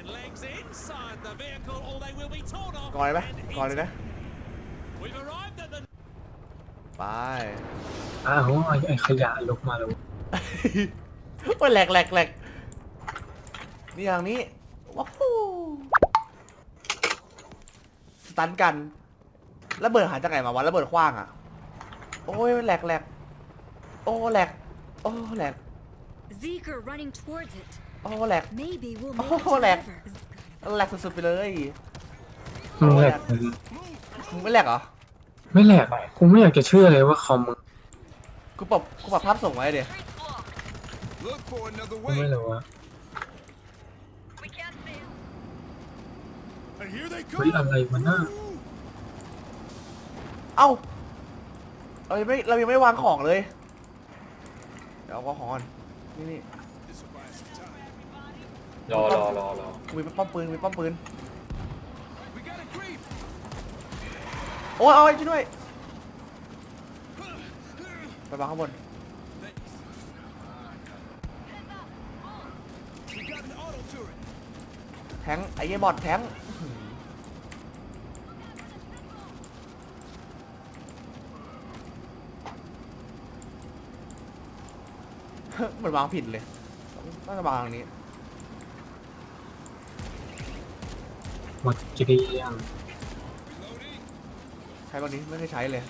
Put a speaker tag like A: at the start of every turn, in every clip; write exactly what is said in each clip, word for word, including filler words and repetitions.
A: ก่อนเลยไหมก่อนเลยนะไป
B: อ้าวไอ้ไอ้ขยะลุกมาแล้ว
A: โอ้ยแหลกแหลกแหลกนี่อย่างนี้ว้าวสตันกันระเบิดหายจากไหนมาวะระเบิดขว้างอ่ะโอ้ยแหลกแหลกโอ้แหลกโอ้แหลก
C: Zeker running towards it.
A: โอ้แหลก
C: Maybe we'll
A: โอ้
C: make it to the
A: แหลก
C: river.
A: แหลกสุดๆไปเลย
B: มึงแหลก
A: มึงไม่แหลกเหรอ
B: ไม่แหลกกูไม่อยากจะเชื่อเลยว่าคอมมึง
A: กูปรับกูปรับภาพส่งไว้เดี๋ยว
D: Look for another
B: กูไม่
D: way.
B: รู้ว่า
D: And here they
B: เฮ้ย
D: come.
B: อะไรมันน่า
A: เอ้าเรายังไม่เรายังไม่ได้วางของเลยเดี๋ยวเอาของก่อนนี่นี่
D: This'll buy us some time.
E: รอรอรอรอ
A: มีป้อมปืนมีป้อมปืน
D: We got a creep.
A: โอ้ยเอาไว้ช่วยด้วยไปวางข้างบน
D: We got an auto turret.
A: แทงไอ้เหี้ยบอดแทงเหมือนวางผิดเลยน่าจะวางตรงนี้
B: หมดเกลี้ยง
D: Reloading.
A: ใช้ตรงนี้ไม่เคยใช้เลย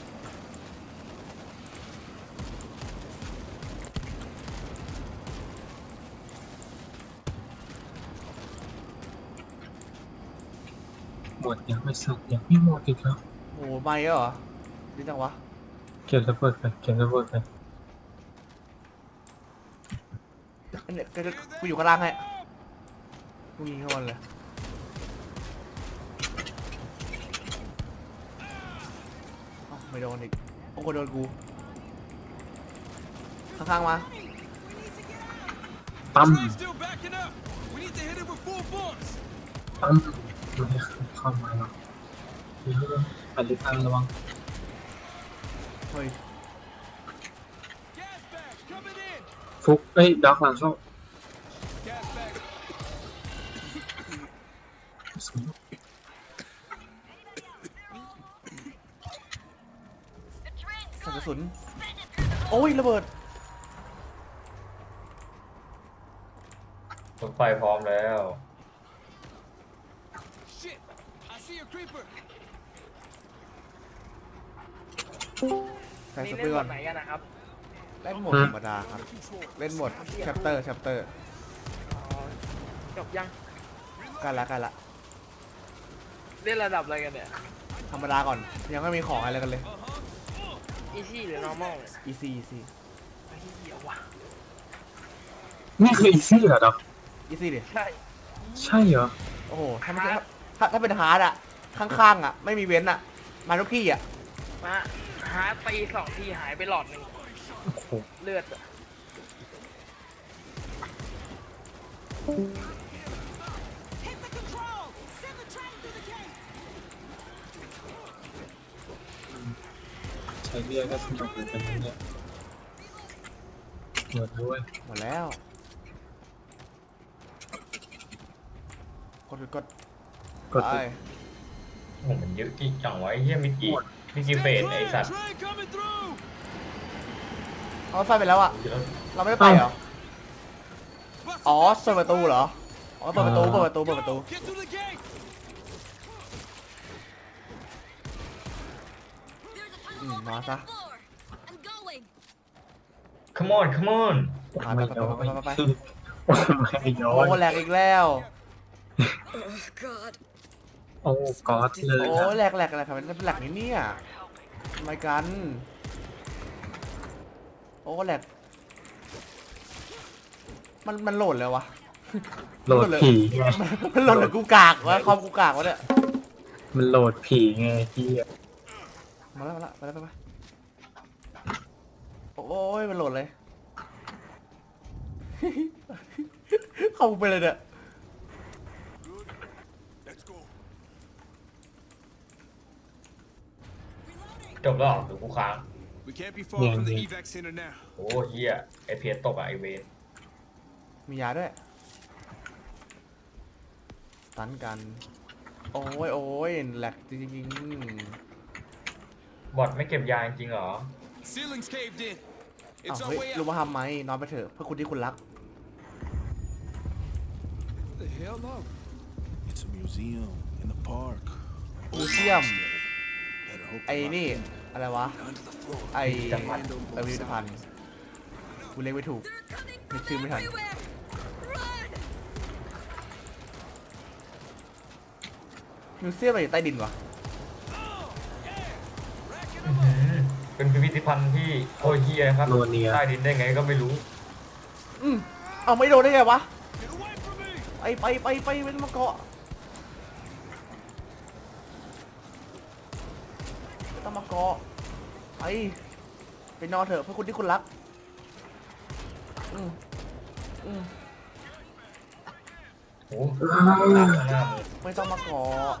B: หมดยังไม่สัตว์ยังไม่หมดอีกแล้ว
A: โอ้ไม่เหรอดีจังวะ
B: เก็บระเบิดไปเก็บระเบิดไป
A: อันเนี้ยกูจะกูอยู่ข้างล่างให้กูยิงเข้ามันเลยเอ้าไม่โดนอีกโอ้โหโดนกูข้างๆมา
B: ปั๊ม
D: Train's still backing up. We need to hit it with full force.
B: ปั๊มไม่ให้เข้ามาหรอกเดี๋ยวอันนี้ตั้งระวัง
A: เฮ้ย
D: Gas bags coming in.
B: ฟุกเอ้ยด็อกหลังเข้า
D: Gas bags.
A: ใส่กระสุนโอ้ยระเบิด
E: รถไฟพร้อมแล้ว
D: Shit. I see a creeper.
A: ใส่
F: นี่
A: ส
F: เล่
A: เปร
F: น
A: ย์
F: แบ
A: ก่อน
F: บไหนกันนะครับ
A: เล่นโหมดธรรมดาครับเล่นโหมดแชปเตอร์แชปเตอร์
F: อ๋อ จบยัง
A: ใกันละใกันละ
F: เล่นระดับอะไรกันเนี่ย
A: ธรรมดาก่อนยังไม่มีของอะไรกันเลย
F: อีซี่หรือ normal เนี่ย
A: easy easy
F: ไอ้เหี้ยว่ะ
B: นี่คืออีซี่เหรอด็อก
A: easy ดิ
F: ใช่
B: ใช่เหรอ
A: โอ้โหถ้าไม่ใช่ถ้าถ้าเป็นฮาร์ดอะข้างๆอะไม่มีเว้นอะมาทุกที่อะ
F: มาหาตีสองทีหายไปหลอดหนึ่ง
B: โอ้โห
F: เลือดอะ
B: ใช้เรียกก็สนุกเหมือนกันนะเนี่ยหมดด้วย
A: หมดแล้วกดกด
B: กด
A: ไป
E: โอ้โหมันเยอะจริงจังวะไอ้เฮียมิกิมิกิเฟสไอ้สัตว์
D: Train coming through.
A: เอาไฟไปแล้วอะ
E: เยอะ
A: เราไม่ได้ไปเหรออ๋อเปิดประตูเหรออ๋อเปิดประตูเปิดประตูเปิดประตู
D: Get through the gate.
A: อืมมาซะ
C: I'm going.
E: come on come on
B: ไม่ย้อยไม่ย้อ
A: โอ้
B: ย
A: แหลกอีกแล้ว
C: Oh God.
B: โอ้ก๊อดเลย
A: โอ้
B: อะ
A: แหลกแหลกอะไรครับเป็นแหลกนี่เนี่ยทำไมกันโอ้แหลกมันมันโหลดเลยวะ
B: โหลดผีไง
A: มันโหลดหรือกูกากวะคอมกูกากวะเนี่ย
B: มันโหลดผีไงที่
A: มาแล้วมาแล้วมาแล้วไปไปโอ้ยมันโหลดเลย เข้าไปเลยเนี่ย
D: Let's go.
E: จบแล้วเหรอหรือกูค้าง
D: We can't be far from the evac center now.
E: โอ้เฮียไอเพียตกอะไอเวน
A: มียาด้วยตันกัน โอ้ยโอ้ยแหลกจริง
E: บอทไม่เก็บยาจริงๆเหรอ
D: Ceiling's caved in.
A: ๆอ้าว
D: It's our
A: เฮ้ย
D: way
A: รู้
D: out.
A: มาทำไหมนอนไปเถอะเพื่อคุณที่คุณรัก
D: What the hell, no? It's a museum in the park.
A: มิวเซียม
D: Better hope
A: ไอ้นี่ อะไรวะ
D: under the floor.
A: ไอ้
E: พิพิธภัณฑ์
A: เออพิพิธภัณฑ์กูเรียกไม่ถูก
C: They're coming
A: Make sure
C: from
A: we have-
C: everywhere. Run!
A: มิวเซียมอะไรอยู่ใต้ดินวะ
E: อื้อหือเป็นพิพิธภัณฑ์ที่โอ้ยเฮียครับ
B: โนเนีย
E: ใต้ดินได้ไงก็ไม่รู้
A: อืมเอาไม่โดนได้ไงวะ
D: Get away from me!
A: ไปไปไปไปเป็นมาเกาะไม่ต้องมาเกาะไปไปนอนเถอะเพื่อคุณที่คุณรักอืมอืม
E: โอ้โหหน้ามือ
A: ไม่ต้องมาเกาะ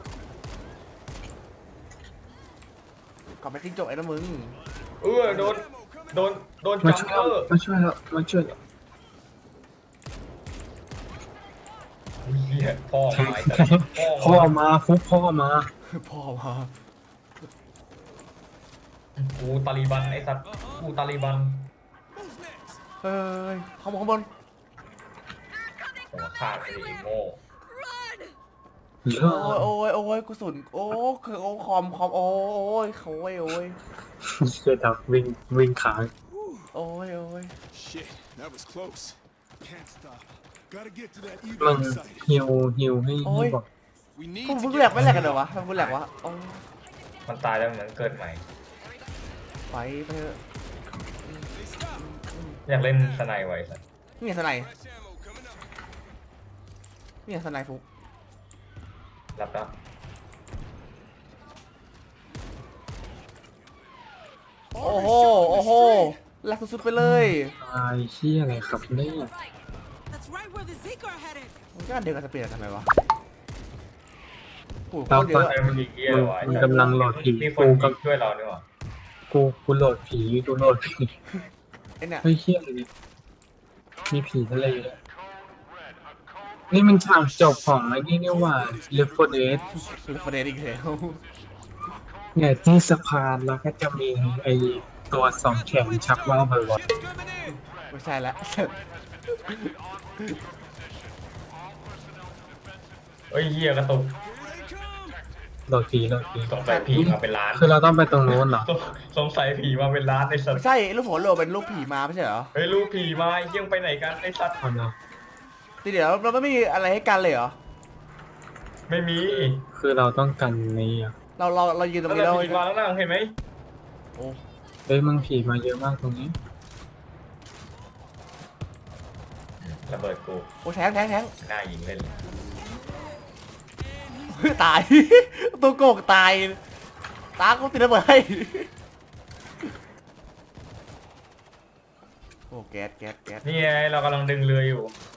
A: กลับไปทิ้งจบไอ้นะมึง
E: เออโดนโดนโดน
B: มา
E: จัม
B: ช่วย
E: เปอ
B: แล้ว
E: ร์
B: มาช่วยแล้วมาช่วยแล้ว
E: เฮียพ่อมาไอ้สัส
B: พ่อมาฟุกพ่อมา
A: พ่อมา
E: กูตาลีบันไอ้สัตว์กูตาลีบัน
D: Who's next?
A: เฮ้ยข้างบนข้างบน
E: หัวขาดไอ้โง่
C: Run!
B: เย
A: โอ้
B: อะ
A: ยโอ้ยโอ้ยกุศลโอ้คือโอ้คอมคอมโอ้ยโอ้ยโอ้ย
B: เชื่อดับวิ่งวิ่งขาง
A: โอ้ยโอ้ย
D: Shit, that was close. Can't stop. Gotta get to that
B: มัน
D: evac site.
B: ฮิวฮิวให้ให้บอก
D: We need
A: พวก
D: to
A: มึง
D: get
A: แหลกไม่แหลกกันเหรอวะทำไมมึงแหลกวะโอ้ย
E: มันตายแล้วเหมือนเกิดใหม่
A: ไปไปเถอะ
D: Hey, stop.
E: อยากเล่นสไนไว้สัตว์
A: นี่ไงสไนด์
D: Fresh ammo coming up.
A: นี่ไงสไนด์ฟุก
E: รับแล้ว
A: โอ้โหโอ้โหแหลกสุดๆไปเลย
B: ตายเชี่ยอะไรครับเนี่ย
C: That's right where the Zeke are headed.
A: มันก็อันเดียวกันสเปียร์ทำไมวะโอ้โหโค
B: เรา
A: ตรเย
B: ก็
A: อะ
E: ไอ้มันดีเกียร์วะ
B: มันกำลังโหลดผี
E: มีค
B: กู
E: น
B: กับ
E: ช่วยเราด้วยวะ
B: กูกูโหลดผีกูโหลดผี
A: ไอ้เนี่ย
B: เฮ้ยเชี่ยอะไรเนี่ยมีผีทะเลด้วยนี่มันฉากจบของไอ้นี่นี่หว่า Left โฟร์ Dead
A: คือประเด็นอีกแล้ว
B: เนี่ยที่สะพานแล้วก็จะมีไอ้ตัวสองแขนชักว่าวบ่อย
D: Shit's coming in.
A: ไม่ใช่แล้ว
E: เฮ้ยเฮียกระตุก
D: Here they come.
B: ๆโหลดผีโหลดผี
E: สงสัยผีมาเป็นล้าน
B: คือเราต้องไปตรงนู้นเหรอ
E: สงสงสัยผีมาเป็นล้านไอ้สัต
A: ไม่
E: ว์
A: ใช่ลูกหัวโลเป็นลูกผีมาไม่ใช่เหรอ
E: เฮ้ยลูกผีมาไอ้เหี้ยังไปไหนกันไอ้สัตว์
B: เอาเนาะ
A: ทีเดียวเราไม่มีอะไรให้กันเลยเหรอ
E: ไม่มี
B: คือเราต้องกันนี้อ่ะ
A: เราเราเรายืนตรง
E: แล้ว
A: นี้แล้ว
E: ผีมาแล้วนะเห็นไหม
A: โอ้
B: เฮ้ยมึงผีมาเยอะมากตรงนี้
E: ระเบิดกู
A: โอ้แทงแทงแทง
E: หน้ายิงเล่นเลย
A: ตาย ตัวโกงตาย ตากูติดระเบิดให้โอ้แก๊สแก๊สแก๊ส
E: นี่ไงเรากำลังดึงเรืออยู่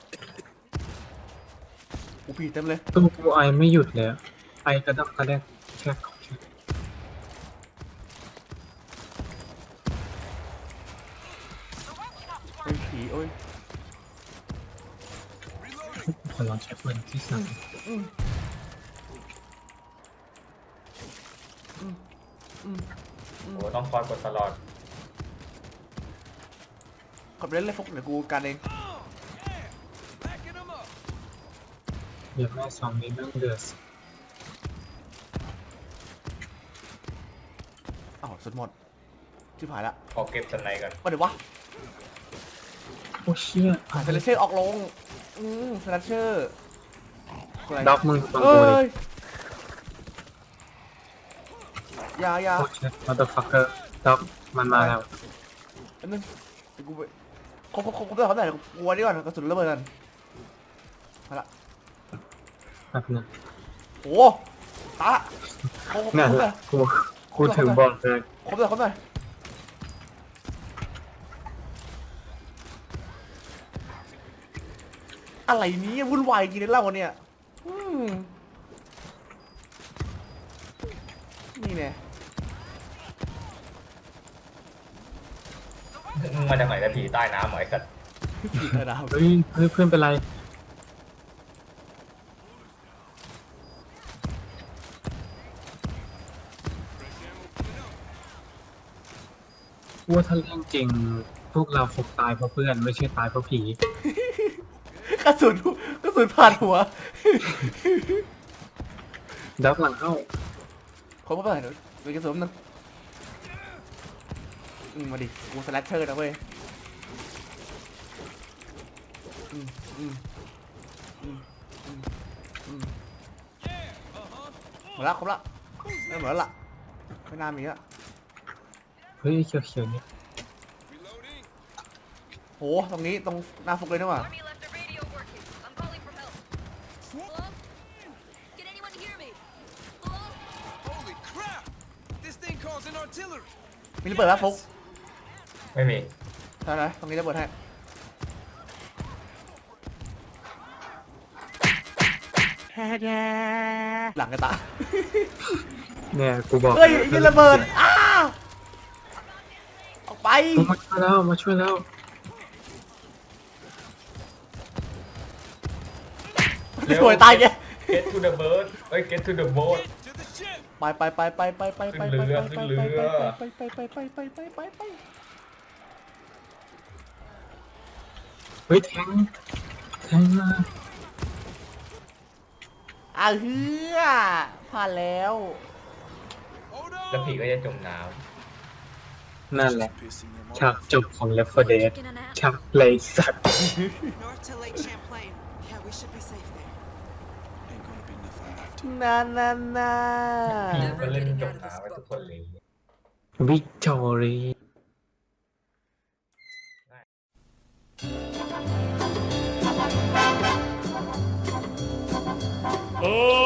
A: กูผีเต็มเลย
B: ตู้กูไอไม่หยุดเลยอะไอกระดับกระแดกแค่
A: โอ้ยผีโอ้ย
B: ขอลองใช้ปืนที่สั่ง
E: โอ้ต้องคอยกดตลอด
A: ขอบเล่นเลยฟุกเดี๋ยวกูกันเอง
D: Backing them up.
B: เดี๋ยวแม่สองนี้นั่งเดือด
A: อ้าวสุดหมดชิบหายละ
E: ขอเก็บสไนก่อน
A: มาเดี๋ยววะ
B: โอ้เชี่ย
A: อ่าเซเลเชอร์ออกลง อืมเซเลเชอร์อะไร
B: ด็อกมึงฟัง
A: เอ้
B: กูดิ
A: ยอยาอยา
B: โอ้เชี่ยมาเตอร์ฟักเกอร์ด็อกมันมาแล้ว
A: อันนึงเดี๋ยวกูไปครบครบครบครบได้ครบได้กลัวดีก่อนกระสุนระเบิดกันมาละ
B: แป๊บนึง
A: โอ้ตาครบครบ
B: นั่น
A: ครบ
B: แห
A: เล
B: ละ
A: ย
B: กูกูถึงบอกเลย
A: ครบเลยครบเลยอะไรเนี้วุ่นวายกินเหล้าเนี่ยอืมนี่แน่
E: มึงมาจากไหนกันผีใต้น้ำเหรอไอ้สัตว์
A: ผีกระดาว
B: เฮ้ยเฮ้ยเพื่อนเป็นไรว่าถ้าเรื่องจริง พวกเราคงตายเพราะเพื่อนไม่ใช่ตายเพราะผี
A: กระสุนกระสุนผ่านหัว
B: ดับหลังเข้า
A: คนก็เปิดเดี๋ยวมีกระสุนนึงอืมมาดิกูสแลชเชอร์นะเว้ยอืมอืมอืมอืมอืมหมดละครบละไม่หมดแล้วล่ะไม่น่ามีละ
B: เฮ้ยเขียวๆเนี่ย
A: โหตรงนี้ตรงหน้าฟุกเลยนี่หว่า
C: Army left the radio working. I'm calling for help. Hello? Can anyone hear me? Hello?
D: Holy crap! This thing calls in artillery.
A: มีระเบิดแล้วฟุก
E: ไม่มี
A: ใช่ไหมตรงนี้ระเบิดให้หลังกระตา
B: เนี่ยกูบอก
A: เฮ้ยยิงระเบิดอ้าออกไป
B: มาช่วยแล้วมาช่วยแล้ว
A: สวยตายแก
E: get to the bird เอ้ย get to the boat
D: To the ship.
A: ไปไปไปไปไปไปไปไปไปไปไปไปไปไปไปไปไปไป
B: เฮ้ยแทงแทงมา
A: อ่ะเฮือผ่านแล้ว
D: Hold
E: แล้วผี
D: on.
E: ก็จะจมน้
B: นั่นแหละ
D: Pissing them
B: ฉาก
D: off.
B: จบของ Left โฟร์ Dead
C: Taking a nap?
B: ฉากเลยสัตว์
C: North to Lake Champlain. Yeah, we should be safe there.
D: Ain't gonna be nothing left.
A: นานานา
E: ำผีก็เล่นจมน้ำไปทุกคนเลย
B: วิกตอรี
A: โอ้